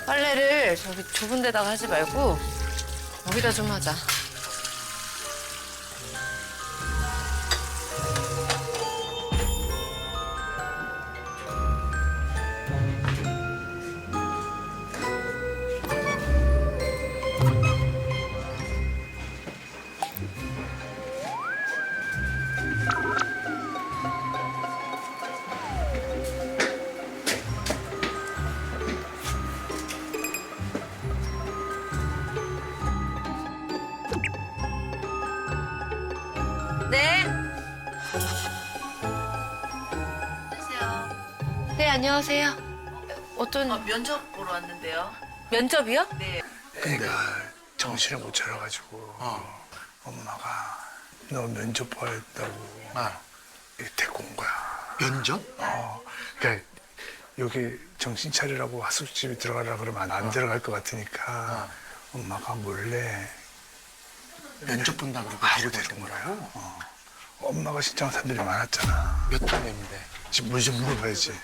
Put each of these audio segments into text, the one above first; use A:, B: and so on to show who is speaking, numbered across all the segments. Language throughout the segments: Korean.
A: 빨래를 저기 좁은 데다가 하지 말고 여기다 좀 하자. 네. 안녕하세요. 네, 안녕하세요. 어떤
B: 면접 보러 왔는데요.
A: 면접이요?
B: 네.
C: 애가 정신을 못 차려가지고 엄마가 너 면접 봐야 했다고 데리고 온 거야.
D: 면접?
C: 그러니까 여기 정신 차리라고 하숙집에 들어가라 그러면 안 들어갈 것 같으니까 엄마가 몰래
D: 면접 본다 그러고
C: 하고
D: 데리고
C: 데리고
D: 온
C: 온
D: 거라고?
C: 거야. 엄마가 신청한 사람들이 많았잖아.
D: 몇 학년인데?
C: 지금 뭐 좀 물어봐야지.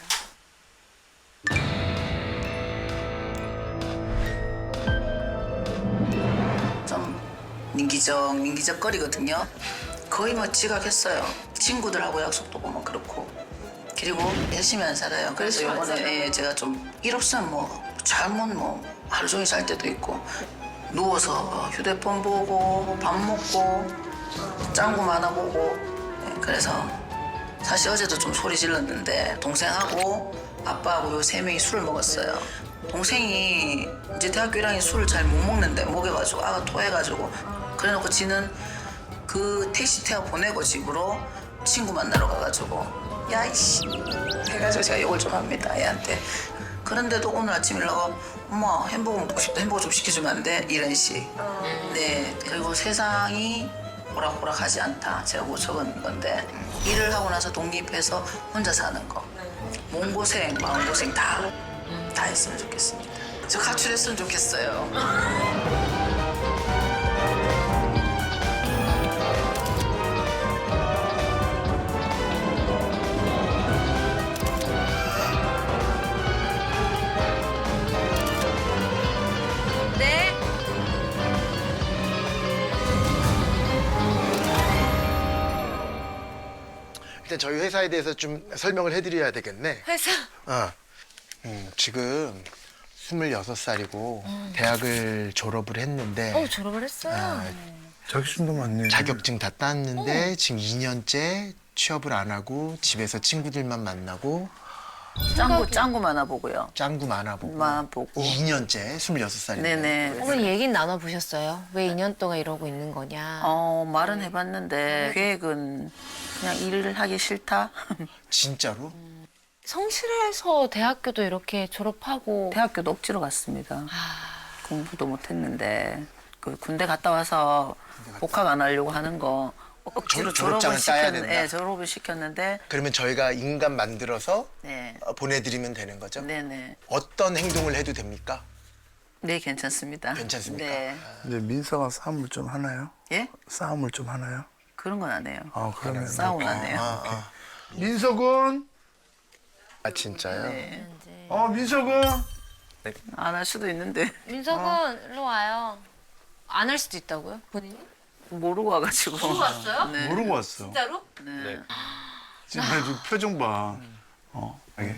B: 좀 민기적거리거든요. 거의 뭐 지각했어요. 친구들하고 약속도 보면 그렇고. 그리고 열심히 안 살아요. 그래서 이번에 제가 좀 일 없으면 뭐 잘못 뭐 하루 종일 잘 때도 있고 누워서 휴대폰 보고 밥 먹고 짱구 만화 보고 그래서 사실 어제도 좀 소리 질렀는데 동생하고 아빠하고 요 세 명이 술을 먹었어요. 동생이 이제 대학교 1학년 술을 잘 못 먹는데 먹여가지고 아가 토해가지고 그래놓고 지는 그 택시 태워 보내고 집으로 친구 만나러 가가지고 야 이씨 해가지고 제가 욕을 좀 합니다 애한테. 그런데도 오늘 아침 일어나고 엄마 햄버거 먹고 싶다 햄버거 좀 시켜주면 안 돼? 이런 식. 네 그리고 세상이 오락오락하지 않다 제가 뭐 적은 건데 일을 하고 나서 독립해서 혼자 사는 거 몸고생 마음고생 다 했으면 좋겠습니다. 저 가출했으면 좋겠어요.
A: 네.
D: 일단 저희 회사에 대해서 좀 설명을 해드려야 되겠네.
A: 회사.
D: 지금 26살이고 대학을 졸업을 했는데
A: 졸업을 했어요.
C: 자격증도 많네.
D: 자격증 다 땄는데 지금 2년째 취업을 안 하고 집에서 친구들만 만나고
B: 짱구 만화 보고요.
D: 짱구 만화 보고
B: 만화 보고.
D: 2년째 26살인데
B: 네네.
A: 어머니 얘기는 나눠보셨어요? 왜 2년 동안 이러고 있는 거냐?
B: 말은 해봤는데 계획은 그냥 일을 하기 싫다.
D: 진짜로?
A: 성실해서 대학교도 이렇게 졸업하고
B: 대학교도 억지로 갔습니다. 공부도 못했는데 그 군대 갔다 와서 복학 안 하려고 하는 거 억지로
D: 졸업장을 따야 된다.
B: 네, 졸업을 시켰는데
D: 그러면 저희가 인간 만들어서
B: 네,
D: 보내드리면 되는 거죠?
B: 네네,
D: 어떤 행동을 해도 됩니까?
B: 네 괜찮습니다.
D: 괜찮습니까?
B: 네,
C: 근데 민서가 싸움을 좀 하나요?
B: 예?
C: 싸움을 좀 하나요?
B: 그런 건 안 해요.
C: 그러면
B: 싸움은 안 해요.
C: 민서 군.
D: 아 진짜요?
B: 네.
C: 민서 군.
B: 안 할 수도 있는데
A: 민석은 일로 와요. 안 할 수도 있다고요? 본인이?
B: 모르고 와가지고.
A: 모르고 왔어요?
B: 네.
C: 모르고 왔어.
A: 진짜로?
B: 네.
C: 지금 좀 표정 봐. 이게.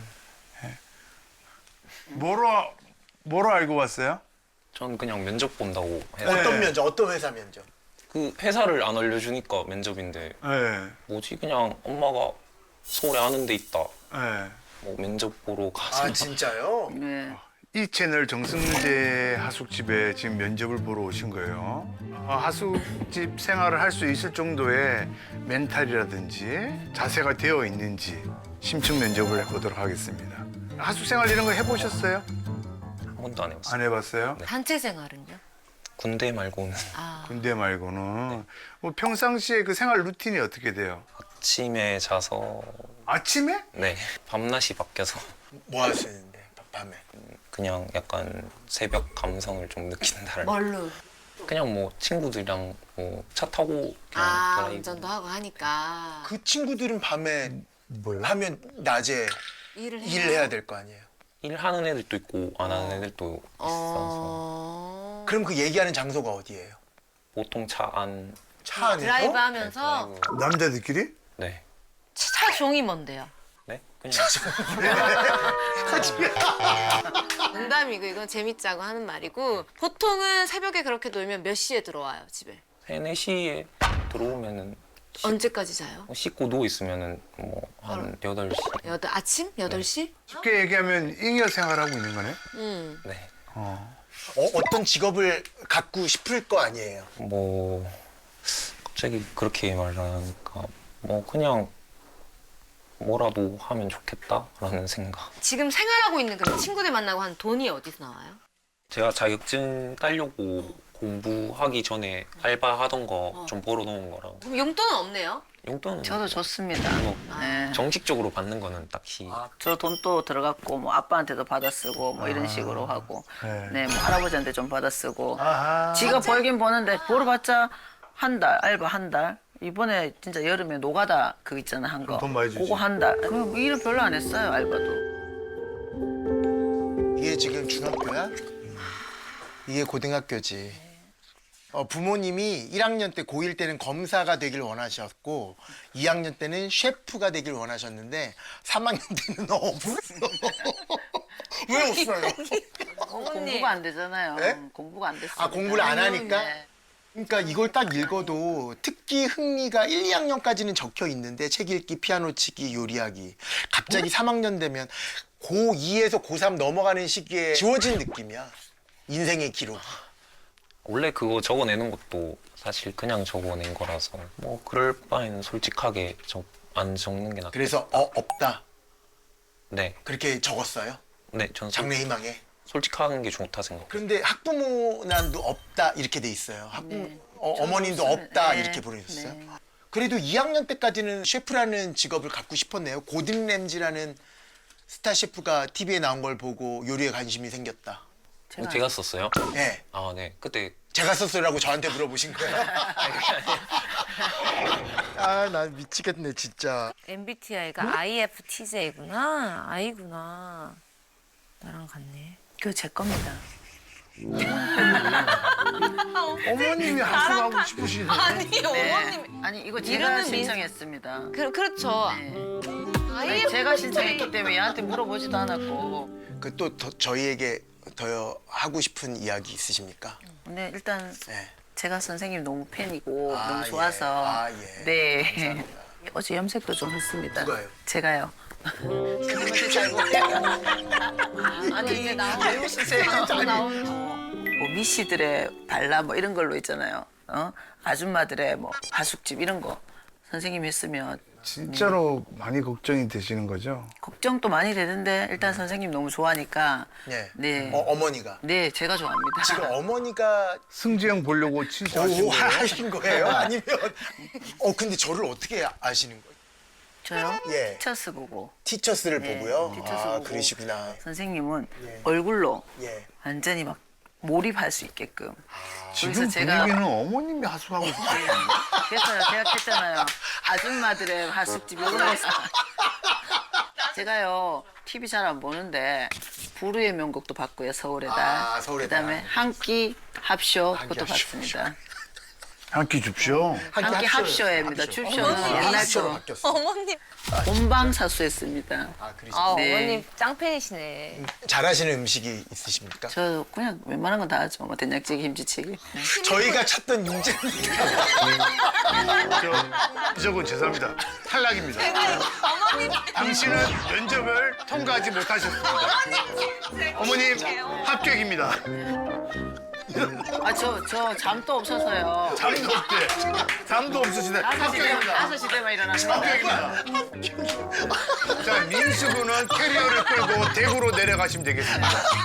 C: 뭐로 알고 왔어요?
E: 전 그냥 면접 본다고 해서
D: 어떤 면접? 어떤 회사 면접?
E: 그 회사를 안 알려주니까 면접인데
C: 네.
E: 뭐지 그냥 엄마가 서울에 아는 데 있다
C: 네.
E: 뭐 면접 보러 가서
D: 아 진짜요?
B: 네.
C: 이 채널 정승재 하숙집에 지금 면접을 보러 오신 거예요. 하숙집 생활을 할 수 있을 정도의 멘탈이라든지 자세가 되어 있는지 심층 면접을 해보도록 하겠습니다. 하숙 생활 이런 거 해보셨어요?
E: 한 번도 안 해봤어요.
C: 안 해봤어요?
A: 단체 생활은요?
E: 군대 말고는
C: 군대 말고는. 뭐 평상시에 그 생활 루틴이 어떻게 돼요?
E: 아침에 자서
C: 아침에?
E: 네 밤낮이 바뀌어서
D: 뭐 하시는데 밤에?
E: 그냥 약간 새벽 감성을 좀 느낀다랄까.
A: 뭘로?
E: 그냥 뭐 친구들이랑 뭐 차 타고 그냥 드라이브.
A: 운전도 하고 하니까
D: 그 친구들은 밤에
C: 뭐요?
D: 하면 낮에
A: 일을
D: 일을 해야 될 거 아니에요?
E: 일하는 애들도 있고 안 하는 애들도 있어서
D: 그럼 그 얘기하는 장소가 어디예요?
E: 보통 차 안.
D: 차 안에서?
A: 드라이브 하면서
E: 드라이브.
C: 남자들끼리?
E: 네.
A: 차 종이 뭔데요?
E: 네? 그냥
A: 농담이고 이건 재밌자고 하는 말이고 보통은 새벽에 그렇게 놀면 몇 시에 들어와요 집에?
E: 3, 4시에 들어오면은
A: 언제까지 자요?
E: 씻고 누워 있으면은 뭐 한 8시.
A: 아침? 8시?
C: 쉽게 얘기하면 잉여 생활하고 있는 거네?
E: 네.
D: 어떤 직업을 갖고 싶을 거 아니에요?
E: 뭐 갑자기 그렇게 말하니까 뭐 그냥 뭐라도 하면 좋겠다라는 생각.
A: 지금 생활하고 있는 그럼 친구들 만나고 한 돈이 어디서 나와요?
E: 제가 자격증 따려고 공부하기 전에 알바하던 거 좀 벌어놓은 거라고.
A: 그럼 용돈은 없네요?
E: 용돈은
B: 저도 좋습니다.
E: 뭐
B: 네.
E: 정식적으로 받는 거는 딱히.
B: 저 돈 또 들어갔고 뭐 아빠한테도 받아 쓰고 뭐 이런 식으로 하고
C: 네.
B: 네, 뭐 할아버지한테 좀 받아 쓰고
C: 아하.
B: 지가 벌긴 버는데 벌어봤자 한 달 알바 한 달. 이번에 진짜 여름에 노가다 그거 있잖아 한 거.
C: 돈 많이 주지.
B: 그거 한 달. 그럼 일을 별로 안 했어요 알바도.
D: 이게 지금 중학교야? 이게 고등학교지. 부모님이 1학년 때 고1 때는 검사가 되길 원하셨고 2학년 때는 셰프가 되길 원하셨는데 3학년 때는 없어. 왜 없어요?
B: 공부가 안 되잖아요.
D: 네?
B: 공부가 안 됐어요.
D: 아, 공부를 안 하니까?
B: 네.
D: 그러니까 이걸 딱 읽어도 특기 흥미가 1, 2학년까지는 적혀 있는데 책 읽기, 피아노 치기, 요리하기. 갑자기 3학년 되면 고2에서 고3 넘어가는 시기에 지워진 느낌이야. 인생의 기록.
E: 원래 그거 적어내는 것도 사실 그냥 적어낸 거라서 뭐 그럴 바에는 솔직하게 안 적는 게 낫다.
D: 그래서 없다.
E: 네.
D: 그렇게 적었어요.
E: 네, 저는
D: 장래희망에.
E: 솔직한 게 좋다 생각해요.
D: 그런데 학부모난도 없다 이렇게 돼 있어요.
B: 네.
D: 어머님도
B: 저는
D: 없다
B: 네.
D: 이렇게 보내셨어요.
B: 네.
D: 그래도 2학년 때까지는 셰프라는 직업을 갖고 싶었네요. 고든 램지라는 스타 셰프가 TV에 나온 걸 보고 요리에 관심이 생겼다.
E: 제가 썼어요?
D: 네.
E: 아, 네. 그때
D: 제가 썼어요라고 저한테 물어보신 거예요? 아, 나 미치겠네 진짜.
A: MBTI가 IFTJ구나. I구나. 나랑 같네.
B: 그거 제 겁니다.
C: 어머님이 하수하고 싶으시네.
A: 아니
B: 네.
A: 어머님.
B: 아니 이거 제가
A: 이름은
B: 신청했습니다.
A: 그렇죠.
B: 네.
A: IFTJ.
B: 아니, 제가 신청했기 때문에 얘한테 물어보지도 않았고.
D: 그 또 저희에게 더 하고 싶은 이야기 있으십니까?
B: 근데 일단
D: 네.
B: 제가 선생님 너무 팬이고
D: 아,
B: 너무
D: 예.
B: 좋아서
D: 아, 예.
B: 네. 어제 염색도 좀 했습니다.
D: 누가요?
B: 제가요.
A: 아니 이제 나온
B: 왜 웃으세요?
A: 나온
B: 뭐 미씨들의 발라 뭐 이런 걸로 있잖아요. 아줌마들의 뭐 가숙집 이런 거 선생님 했으면
C: 진짜로 많이 걱정이 되시는 거죠?
B: 걱정도 많이 되는데 일단 선생님 너무 좋아하니까
D: 네.
B: 네.
D: 어머니가.
B: 네, 제가 좋아합니다.
D: 지금 어머니가
C: 승지형 보려고 친척하신 거예요?
D: 하신 거예요? 아니면 근데 저를 어떻게 아시는 거예요?
B: 저요?
D: 예.
B: 티처스 보고
D: 티처스를
B: 네,
D: 보고요.
B: 티처스
D: 아,
B: 보고.
D: 그러시구나.
B: 선생님은
D: 예.
B: 얼굴로
D: 예.
B: 완전히 막 몰입할 수 있게끔.
C: 지금
B: 그래서 제가-
C: 분위기는 어머님이 하수하고 싶어요.
B: 그래서요, 계약했잖아요. 아줌마들의 하숙집 이런 거서. 제가요, TV 잘 안 보는데 부르의 명곡도 봤고요, 서울의 달.
D: 아, 서울의
B: 그다음에
D: 달.
B: 한 끼 합쇼
D: 한 끼
B: 그것도
D: 합쇼.
B: 봤습니다.
C: 한 끼 줍쇼.
B: 한 끼 합쇼입니다. 줍쇼는 옛날
D: 합쇼로
B: 거.
D: 바뀌었어.
A: 어머님.
B: 본방사수했습니다.
D: 아, 그러시구나.
B: 네.
A: 어머님 짱팬이시네.
D: 잘하시는 음식이 있으십니까?
B: 저 그냥 웬만한 건 다 하죠. 뭐 된장찌개, 김치찌개.
D: 저희가 찾던 인재입니다.
C: 저건 죄송합니다. 탈락입니다. 당신은 면접을 통과하지 못하셨습니다. 어머님 합격입니다.
B: 아, 저 잠도 없어서요.
C: 잠도 없대. 잠도 없으시네. 합격입니다.
B: 5시 되면 일어나는 거.
C: 합격입니다. 자, 민수군은 캐리어를 끌고 대구로 내려가시면 되겠습니다.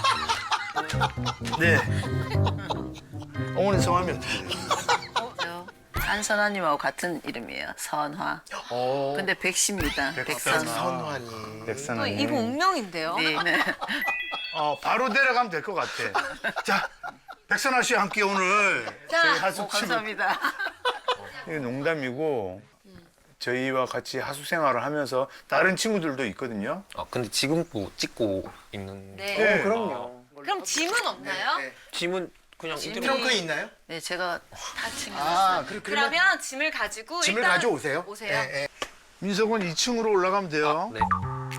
C: 네. 어머니 성함이 어떻게 돼요?
B: 한선아님하고 같은 이름이에요. 선화. 근데 백씨입니다. 백선화.
D: 선환이.
C: 백선아님.
A: 이분 운명인데요.
B: 네, 네.
C: 바로 내려가면 될 것 같아. 자, 백선아 씨와 함께 오늘 저희 하숙집을
B: 감사합니다.
C: 이게 농담이고 저희와 같이 하숙 생활을 하면서 다른 친구들도 있거든요.
E: 아 근데 지금도 찍고 있는.
A: 네.
D: 그럼요.
A: 그럼 짐은 없나요?
E: 짐은 그냥 이대로.
D: 트렁크에 있나요?
B: 네, 제가 다 챙겨놨어요.
D: 아,
A: 그러면 짐을 가지고
D: 짐을
A: 일단
D: 가져오세요.
A: 오세요.
D: 예, 예.
C: 민석은 2층으로 올라가면 돼요.
E: 네.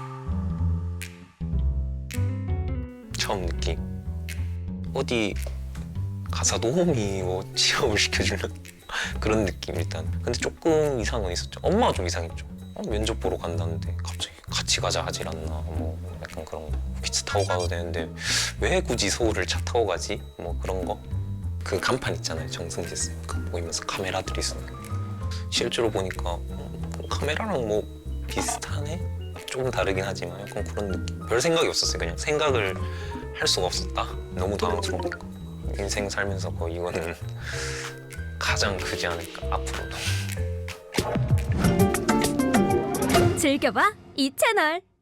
E: 처음 느낌. 어디 가사 도우미 뭐 취업을 시켜주는 그런 느낌 일단. 근데 조금 이상은 있었죠. 엄마가 좀 이상했죠. 면접 보러 간다는데 갑자기 같이 가자 하질 않나. 뭐 약간 그런 거. 기차 타고 가도 되는데 왜 굳이 서울을 차 타고 가지? 뭐 그런 거. 그 간판 있잖아요. 정승재 쌤. 그거 보이면서 카메라들이 있으니까. 실제로 보니까 카메라랑 뭐 비슷하네? 조금 다르긴 하지만 약간 그런 느낌. 별 생각이 없었어요. 그냥 생각을 할 수가 없었다. 너무 당황스러우니까. 인생 살면서 이거는 가장 크지 않을까 앞으로도.
F: 즐겨봐 이 채널.